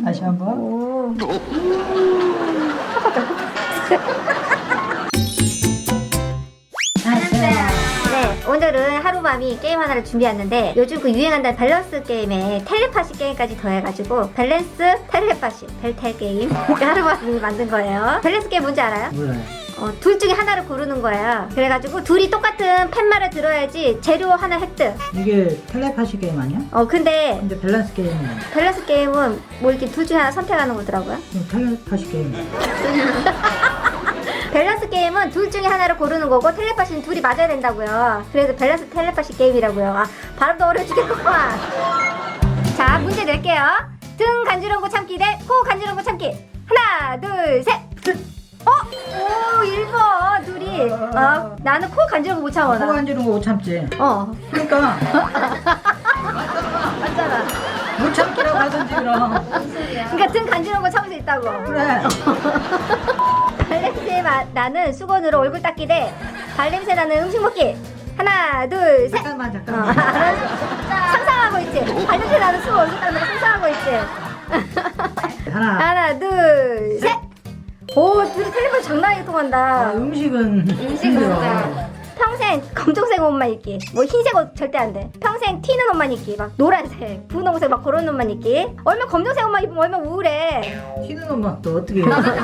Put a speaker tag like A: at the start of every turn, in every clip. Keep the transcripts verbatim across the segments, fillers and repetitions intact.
A: 다시 한번.
B: 오. 네, 오늘은 하루밤이 게임 하나를 준비했는데 요즘 그 유행한다는 밸런스 게임에 텔레파시 게임까지 더해가지고 밸런스 텔레파시 벨텔 게임 하루밤이 만든 거예요. 밸런스 게임 뭔지 알아요?
A: 몰라요.
B: 어, 둘 중에 하나를 고르는 거예요. 그래가지고 둘이 똑같은 팻말을 들어야지 재료 하나 획득.
A: 이게 텔레파시 게임 아니야?
B: 어 근데
A: 근데 밸런스 게임이야.
B: 밸런스 게임은 뭐 이렇게 둘 중에 하나 선택하는 거더라고요.
A: 그럼 텔레파시 게임.
B: 밸런스 게임은 둘 중에 하나를 고르는 거고 텔레파시는 둘이 맞아야 된다고요. 그래서 밸런스 텔레파시 게임이라고요. 아, 발음도 어려워 죽겠구만. 자, 문제 낼게요. 등 간지러운 거 참기 대 코 간지러운 거 참기. 하나, 둘, 셋. 어? 오, 일 번 둘이. 어, 나는 코 간지러운 거 못 참아.
A: 코 간지러운 거 못 참지.
B: 어.
A: 그러니까
B: 맞잖아.
A: 못 참기라고 하던지 그럼.
B: 그러니까 등 간지러운 거 참을 수 있다고.
A: 그래.
B: 발냄새 마, 나는 수건으로 얼굴 닦기 대 발냄새 나는 음식 먹기. 하나, 둘, 셋.
A: 잠깐만
B: 어,
A: 잠깐만.
B: 알았어. 상상하고 있지. 발냄새 나는 수건 얼굴 닦는 거 상상하고 있지.
A: 하나.
B: 하나, 둘, 셋. 오, 둘이 텔레폰 장난이 통한다.
A: 아, 음식은 힘들어.
B: 평생 검정색 옷만 입기. 뭐 흰색 옷 절대 안 돼. 평생 튀는 옷만 입기. 막 노란색, 분홍색 막 그런 옷만 입기. 얼마 검정색 옷만 입으면 얼마 우울해.
A: 튀는 옷만 또 어떻게 해?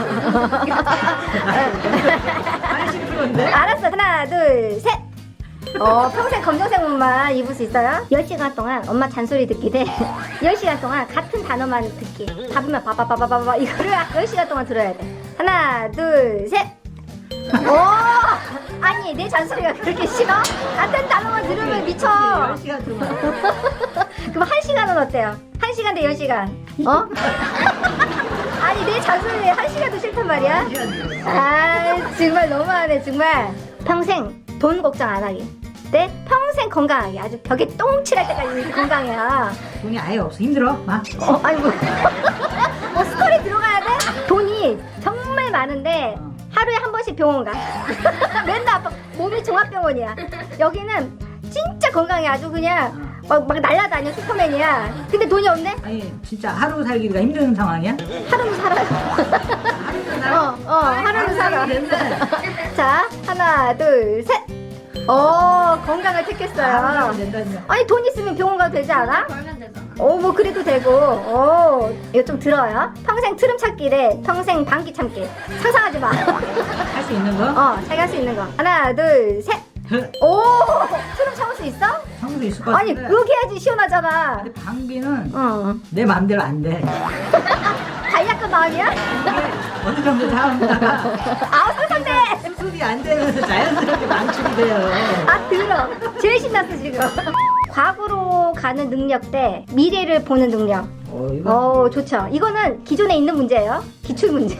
A: 팔십 퍼센트인데?
B: 알았어. 하나, 둘, 셋. 어, 평생 검정색 옷만 입을 수 있어요? 열 시간 동안 엄마 잔소리 듣기 대 열 시간 동안 같은 단어만 듣기. 답이면 바바바바바바 이거를 열 시간 동안 들어야 돼. 하나, 둘, 셋. 오! 아니, 내 잔소리가 그렇게 싫어? 같은 단어만 들으면 미쳐.
A: 열 시간 동안.
B: 그럼 한 시간은 어때요? 한 시간 대 열 시간. 어? 아니, 내 잔소리 한 시간도 싫단 말이야? 아, 정말 너무하네, 정말. 평생 돈 걱정 안 하기. 네? 평생 건강하게. 아주 벽에 똥칠할 때까지 건강해야.
A: 돈이 아예 없어. 힘들어. 막.
B: 어, 아니 뭐. 뭐 스토리 들어가야 돼? 돈이 정말 많은데 하루에 한 번씩 병원 가. 맨날 아파. 몸이 종합병원이야. 여기는 진짜 건강해. 아주 그냥 막, 막 날라다녀. 슈퍼맨이야. 근데 돈이 없네?
A: 아니 진짜 하루 살기가 힘든 상황이야?
B: 하루는 살아요. 어, 어, 하루는 살아. 자, 하나, 둘, 셋. 어, 건강을 택했어요.
A: 된다니요.
B: 아니, 돈 있으면 병원 가도 되지 않아?
C: 벌면 되잖아.
B: 어, 뭐 그래도 되고. 어, 이거 좀 들어요. 평생 트름 참기 대 평생 방귀 참기. 상상하지 마.
A: 할 수 있는 거?
B: 어, 자기가 할 수 있는 거. 하나, 둘, 셋. 오, 트름 참을 수 있어?
A: 참을 수 있을 것
B: 아니,
A: 같은데.
B: 그렇게 해야지 시원하잖아.
A: 근데 방귀는
B: 어.
A: 내 마음대로 안 돼.
B: 간략한 마음이야?
A: 어느 정도 참다가
B: 아우, 상상돼.
A: 수습이 안 되면서 자연스럽게 망치게 돼요.
B: 아, 들어. 제일 신났어, 지금. 과거로 가는 능력 대 미래를 보는 능력.
A: 어, 이거
B: 어, 좋죠. 이거는 기존에 있는 문제예요. 기출 문제.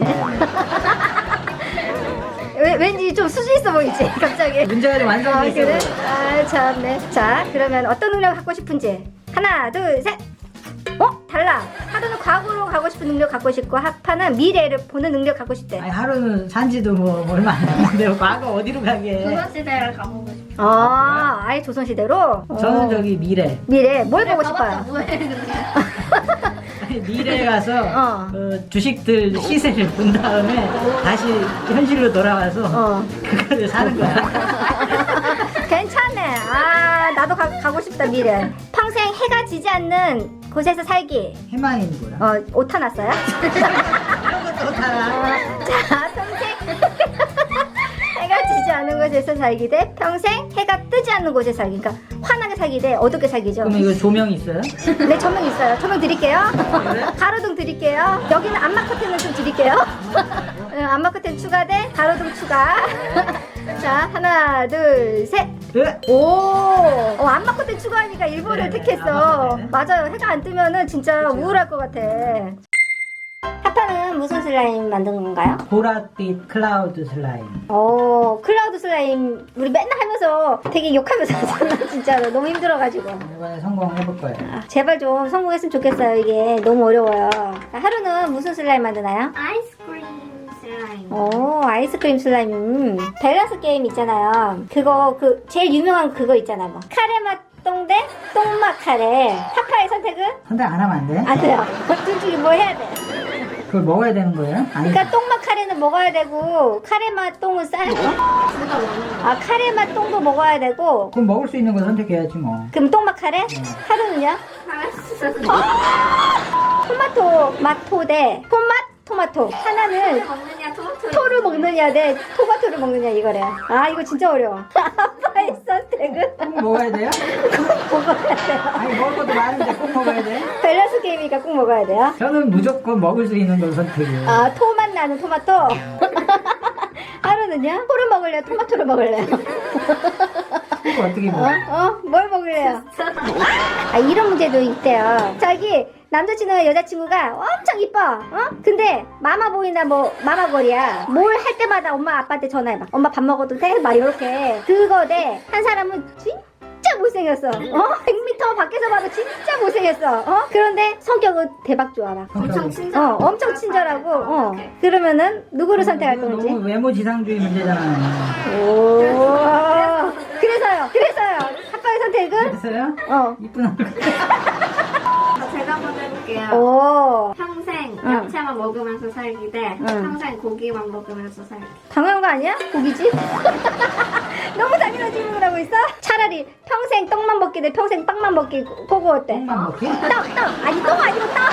B: 왜, 왠지 좀 수준 있어 보이지, 갑자기.
A: 문제가 좀
B: 아,
A: 완성돼
B: 그래?
A: 있어.
B: 아, 참네. 자, 그러면 어떤 능력을 갖고 싶은지. 하나, 둘, 셋. 어? 달라. 하루는 과거로 가고 싶은 능력 갖고 싶고, 하파는 미래를 보는 능력 갖고 싶대.
A: 아니 하루는 산지도 뭐 얼마 안 됐는데 과거 어디로 가게?
C: 조선시대를 가보고 싶어.
B: 아, 아예 조선시대로?
A: 저는
B: 어.
A: 저기 미래.
B: 미래, 뭘 보고
C: 가봤자
B: 싶어요?
C: 뭐해 근데.
A: 아니, 미래에 가서
B: 어.
A: 그 주식들 시세를 본 다음에 다시 현실로 돌아와서
B: 어.
A: 그거를 사는 거야.
B: 괜찮네. 아, 나도 가, 가고 싶다, 미래. 평생 해가 지지 않는 곳에서 살기.
A: 해만인 거야.
B: 어, 오타 났어요?
A: 이런 것도 살아.
B: 자, 평생 해가 지지 않는 곳에서 살기 대 평생 해가 뜨지 않는 곳에서 살기. 그러니까 환하게 살기 대 어둡게 살기죠.
A: 그럼 이거 조명 있어요?
B: 네, 조명 있어요. 조명 드릴게요.
A: 그래?
B: 가로등 드릴게요. 여기는 안마 커튼은 좀 드릴게요. 응, 안마 커튼 추가 대 가로등 추가. 자, 하나, 둘, 셋.
A: 에?
B: 오, 어, 안마 커튼 추가하니까 일본을
A: 그래,
B: 택했어.
A: 안마 커튼.
B: 맞아요. 해가 안 뜨면은 진짜
A: 그쵸.
B: 우울할 것 같아. 하파는 무슨 슬라임 만든 건가요?
A: 보랏빛 클라우드 슬라임.
B: 오, 클라우드 슬라임 우리 맨날 하면서 되게 욕하면서 하잖아. 진짜로 너무 힘들어가지고.
A: 이번에 성공해볼 거예요.
B: 아, 제발 좀 성공했으면 좋겠어요. 이게 너무 어려워요. 하루는 무슨 슬라임 만드나요?
C: 아이스크림 슬라임.
B: 오, 아이스크림 슬라임. 밸런스 게임 있잖아요. 그거 그 제일 유명한 그거 있잖아. 뭐 카레 맛 똥 대 똥맛 카레. 파파의 선택은?
A: 선택 안 하면 안 돼?
B: 안 돼요. 둘 중에 뭐 해야 돼?
A: 그걸 먹어야 되는 거예요? 아니,
B: 그러니까 똥맛 카레는 먹어야 되고 카레맛 똥은 싸. 아 카레맛 똥도 먹어야 되고.
A: 그럼 먹을 수 있는 거 선택해야지 뭐.
B: 그럼 똥맛 카레? 하루는요? 토마토 마토 대 토맛 토마토. 하나는
C: 먹느냐 토마토.
B: 토를 먹느냐 대 토마토를 먹느냐 이거래. 아 이거 진짜 어려워. 아빠의 선택은?
A: 꼭 먹어야 돼요?
B: 먹어야 돼요.
A: 아니, 먹을 것도 많은데 꼭 먹어야 돼?
B: 밸런스 게임이니까 꼭 먹어야 돼요.
A: 저는 무조건 먹을 수 있는 걸 선택해요.
B: 아 토맛 나는 토마토. 하루는요? 토를 먹을래요? 토마토를 먹을래요?
A: 이거 어떻게
B: 어?
A: 먹어?
B: 어? 뭘 먹을래요? 아 이런 문제도 있대요. 저기 남자친구나 여자친구가 엄청 이뻐. 어? 근데 마마보이나 뭐 마마걸이야. 뭘 할 때마다 엄마 아빠한테 전화해봐. 엄마 밥 먹어도 돼? 막 이렇게. 그거 대 한 사람은 진짜 못생겼어. 어? 백 미터 밖에서 봐도 진짜 못생겼어. 어? 그런데 성격은 대박 좋아 막.
C: 엄청 친절.
B: 어, 엄청 친절하고. 어. 그러면은 누구를 선택할
A: 이거
B: 건지.
A: 너무 외모 지상주의 문제잖아요.
B: 오. 그래서요. 그래서요. 아빠의 선택은?
A: 그래서요?
B: 어.
A: 이쁜 얼굴.
C: 제가 한번 해볼게요.
B: 오.
C: 평생
B: 응.
C: 야채만 먹으면서 살기 대
B: 응.
C: 평생 고기만 먹으면서 살기.
B: 당연한 거 아니야? 고기지? 너무 당연한 질문을 하고 있어? 차라리 평생 떡만 먹기 대 평생 빵만 먹기 그거 어때?
A: 똥만 먹기?
B: 떡! 떡! 아니 떡 아니고 떡!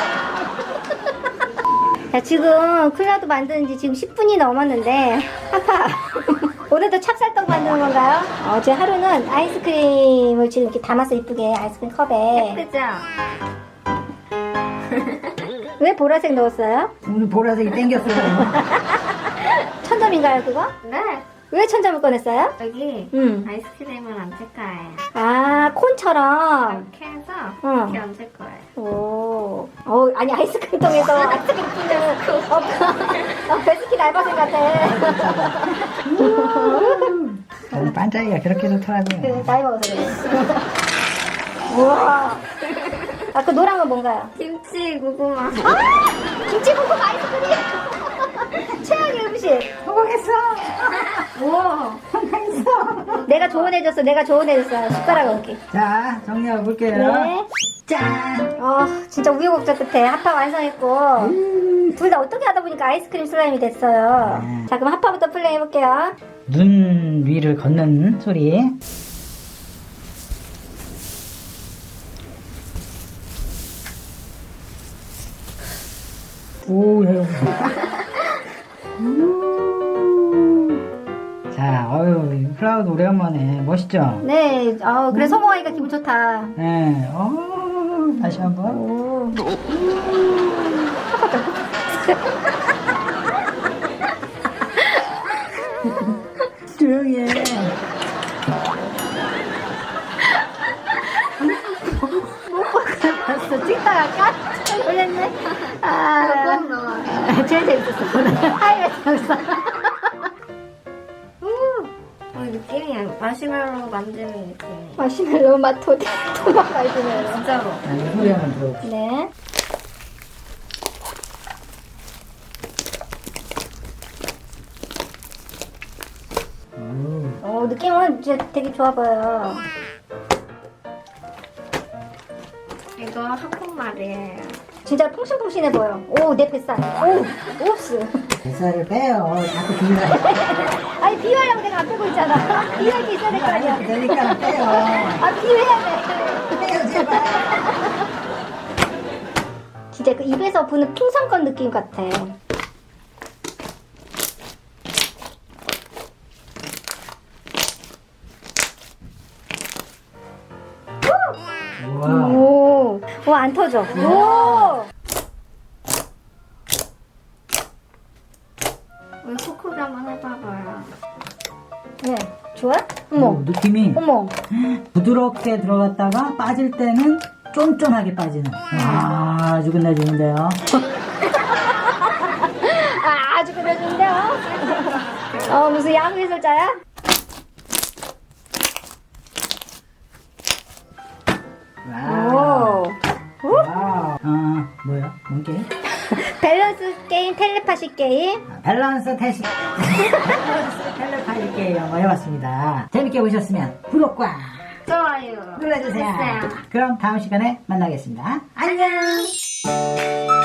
B: 자 지금 클라우드 만드는 지 지금 십 분이 넘었는데 아파 오늘도 찹쌀떡 만드는 건가요? 어, 제 하루는 아이스크림을 지금 이렇게 담아서 이쁘게 아이스크림 컵에
C: 예쁘죠?
B: 왜 보라색 넣었어요?
A: 오늘 보라색이 땡겼어요.
B: 천점인가요 그거?
C: 네.
B: 왜 천점을 꺼냈어요?
C: 여기
B: 음.
C: 아이스크림은 안 칠 거예요.
B: 아 콘처럼
C: 이렇게 해서
B: 응.
C: 이렇게 얹을 거예요.
B: 오, 어, 아니 아이스크림통에서 아이스크림 뿌는 어, 어, 베스킨 알바생 같아.
A: 오늘 반짝이가 그렇게 좋더라고요.
B: 그 나이 먹어서 그래. 우와. 아, 그 노란 건 뭔가요?
C: 김치, 고구마.
B: 아, 김치볶음 아이스크림. 최악의 음식.
A: 성공했어.
B: 우와. 내가 조언해줬어. 내가 조언해줬어. 숟가락 얹기.
A: 자, 정리해 볼게요.
B: 네.
A: 짠.
B: 어, 진짜 우여곡절 끝에 하파 완성했고 둘 다 어떻게 하다 보니까 아이스크림 슬라임이 됐어요.
A: 음.
B: 자, 그럼 하파부터 플레이 해볼게요.
A: 눈 위를 걷는 소리. 오, 해요. 자, 어유 클라우드 오래간만에 멋있죠?
B: 네, 어, 그래 성공하니까 기분 좋다.
A: 네, 어, 다시 한번.
B: 오.
A: 조용히 해.
B: 봤어. 찍다가 깜짝 놀랐네. 아,
C: 조금 넣어요.
B: 제일 재밌었어. 오늘 하이라이트였어.
C: 어, 느낌이 마시멜로 만드는 느낌이에요.
B: 마시멜로 맛 토, 토막 마시멜로.
C: 진짜로.
A: 자, 이 소리 한번 들어봅시다.
B: 네.
A: 오.
B: 어, 느낌은 진짜 되게 좋아 보여요.
C: 이거 한국말이에요.
B: 진짜 퐁신퐁신해 보여. 오, 내 뱃살. 오, 옵스.
A: 뱃살을 빼요. 자꾸 비밀.
B: 아니, 비유하려고 내가 안 빼고 있잖아. 비유할 게 있어야 될 거 아니야.
A: 되니까 빼요.
B: 아, 비유해야 돼.
A: 빼요, 제발.
B: 진짜 그 입에서 부는 핑선권 느낌 같아.
A: 우와.
B: 오, 오, 안 터져. 오!
C: 우리 코코도 한번 해봐봐요.
B: 네, 좋아?
A: 오,
B: 어머,
A: 느낌이
B: 어머.
A: 부드럽게 들어갔다가 빠질 때는 쫀쫀하게 빠지는. 와, 아주 끝내주는데요.
B: 아, 아주 그려준데요? 어, 무슨 야구해설자야?
A: 와우.
B: 오.
A: 와우. 아, 뭐야? 뭔 게임?
B: 밸런스 게임, 텔레파시 게임.
A: 아, 밸런스 테시. 밸런스 텔레파시 게임 한번 해봤습니다. 재밌게 보셨으면 구독과
C: 좋아요.
A: 눌러주세요.
C: 눌러주세요.
A: 그럼 다음 시간에 만나겠습니다. 안녕.